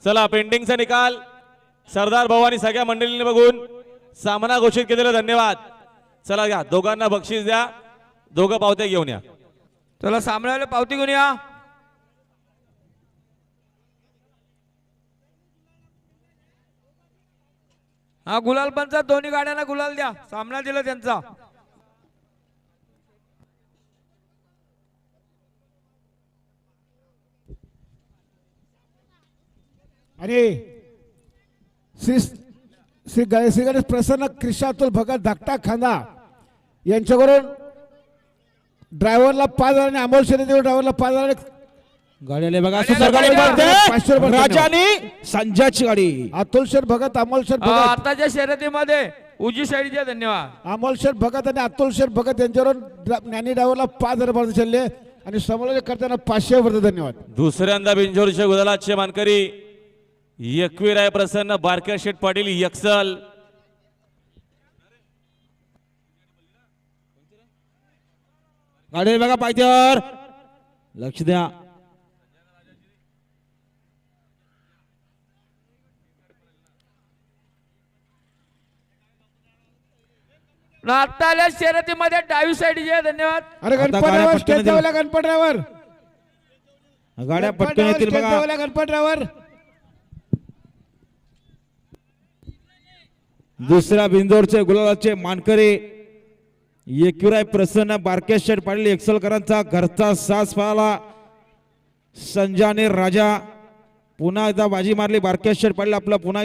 चला पेंडिंगचा निकाल सरदार भाऊ आणि सगळ्या मंडळींनी बघून सामना घोषित केलेला धन्यवाद। चला घ्या दोघांना बक्षीस द्या, दोघं पावत्या घेऊन या। चला सामन्याला पावती घेऊन या। हा गुलाल पंचा दोन्ही गाड्यांना गुलाल द्या, सामना दिला त्यांचा। आणि श्री गणेश प्रसन्न कृष्णातुल भगत धाकटा खांदा यांच्याकडून ड्रायव्हरला 5,000 आणि अमोल शेरेदेव ड्रायव्हरला 5,000 गाडीला बघा राजा आणि संजयची गाडी अतुल शेर भगत अमोल शेर भगत आताच्या शर्यतीमध्ये उजी साईडचे धन्यवाद। अमोल शेर भगत आणि अतुल शेर भगत यांच्यावरून ज्ञानी ड्रायव्हरला 5,000 रुपये चालले आणि समालोचन करताना 500 रुपये धन्यवाद। दुसऱ्यांदा बिंजोरच्या गुलालाचे मानकरी एकवीराय प्रसन्न बारक्या शेठ पाटील यक्सल। गाडी बघा पायथ्यावर लक्ष द्या। आताल्या शर्यतीमध्ये डावी साईडचे धन्यवाद। अरे गणपतरावर स्टेज ड्रायव्हरला गणपतरावर गाड्या पटकन येतील बघा। गणपतरावर दुसऱ्या बिंदोरचे गुलालाचे मानकरी एकविराय प्रसन्न बारके शेठ पाटील एक्सलकरांचा घरचा सास पाला संजय आणि राजा पुन्हा एकदा बाजी मारली। बारके शेठ पाटील आपला पुन्हा